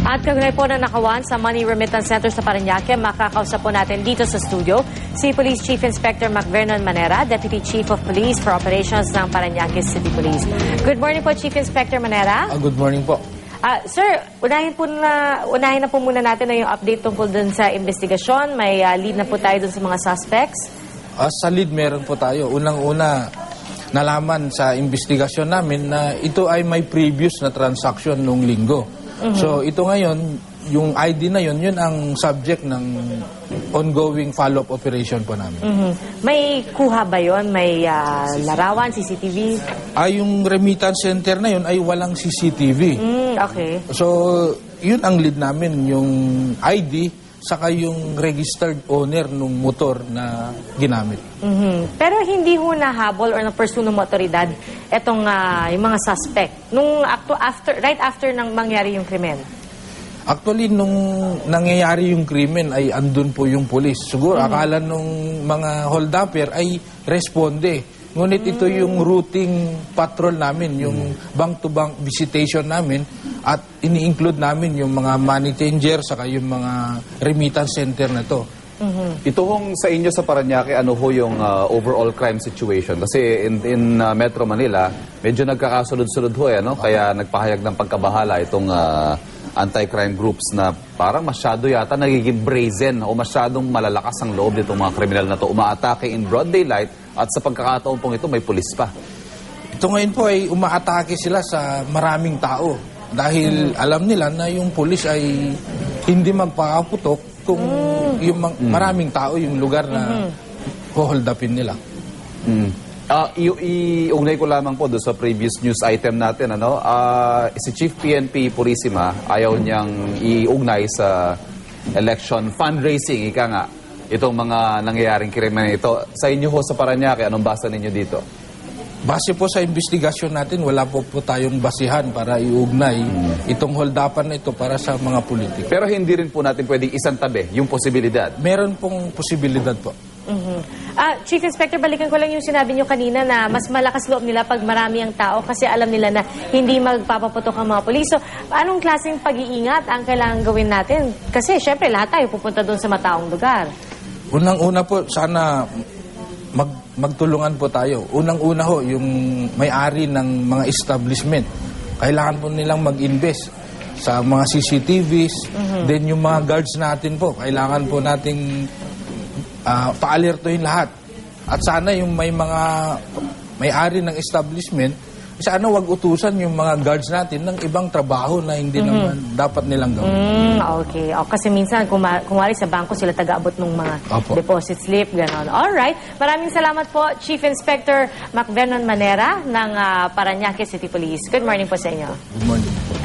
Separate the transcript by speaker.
Speaker 1: At kagunay po na nakawan sa Money Remittance Center sa Parañaque, makakausap po natin dito sa studio si Police Chief Inspector Macvernon Manera, Deputy Chief of Police for Operations ng Parañaque City Police. Good morning po, Chief Inspector Manera.
Speaker 2: Good morning po.
Speaker 1: Sir, unahin na po muna natin na yung update tungkol dun sa investigasyon. May lead na po tayo dun sa mga suspects.
Speaker 2: Sa lead meron po tayo. Unang-una, nalaman sa investigasyon namin na ito ay may previous na transaction noong linggo. So ito ngayon, yung ID na yun ang subject ng ongoing follow-up operation po namin.
Speaker 1: May kuha ba yun? May larawan, CCTV?
Speaker 2: Yung remittance center na yun ay walang CCTV.
Speaker 1: Okay.
Speaker 2: So yun ang lead namin, yung ID saka yung registered owner ng motor na ginamit.
Speaker 1: Pero hindi ho nahabol or na-pursue ng otoridad itong yung mga suspect right after nang mangyari yung krimen?
Speaker 2: Actually, nung nangyayari yung krimen ay andun po yung pulis. Siguro akala nung mga hold-upper ay responde. Ngunit ito yung routing patrol namin, yung bank-to-bank visitation namin at ini-include namin yung mga money changer saka yung mga remittance center na to.
Speaker 3: Ito hong sa inyo sa Parañaque, ano ho yung overall crime situation? Kasi in Metro Manila, medyo nagkakasunod-sunod ho ano? Kaya nagpahayag ng pagkabahala itong anti-crime groups na parang masyado yata nagiging brazen o masyadong malalakas ang loob nitong mga kriminal na to. Umaatake in broad daylight at sa pagkakataon pong ito may pulis pa.
Speaker 2: Ito ngayon po ay umaatake sila sa maraming tao dahil alam nila na yung pulis ay hindi magpakaputok kung yung maraming tao yung lugar na hold upin nila.
Speaker 3: Iugnay ko lamang po doon sa previous news item natin. Si Chief PNP Purisima ayaw niyang iugnay sa election fundraising, ika nga, itong mga nangyayaring krimen ito. Sa inyo ho sa Parañaque, anong basa ninyo dito?
Speaker 2: Base po sa investigasyon natin, wala po tayong basihan para iugnay itong hold-upan na ito para sa mga politiko.
Speaker 3: Pero hindi rin po natin pwedeng isantabi yung posibilidad.
Speaker 2: Meron pong posibilidad po.
Speaker 1: Chief Inspector, balikan ko lang yung sinabi nyo kanina na mas malakas loob nila pag marami ang tao kasi alam nila na hindi magpapaputok ang mga pulis. So, anong klaseng pag-iingat ang kailangan gawin natin? Kasi, syempre, lahat tayo pupunta doon sa mataong lugar.
Speaker 2: Unang-una po, sana magtulungan po tayo. Unang-una ho, yung may-ari ng mga establishment. Kailangan po nilang mag-invest sa mga CCTVs. Then yung mga guards natin po, kailangan po nating pa-alertohin lahat. At sana yung may-ari ng establishment, sana wag utusan yung mga guards natin ng ibang trabaho na hindi naman dapat nilang gawin.
Speaker 1: Okay. Kasi minsan, kumari sa bangko sila taga-abot ng mga deposit slip, gano'n. Alright. Maraming salamat po, Chief Inspector Macvernon Manera ng Parañaque City Police. Good morning po sa inyo.
Speaker 2: Good morning.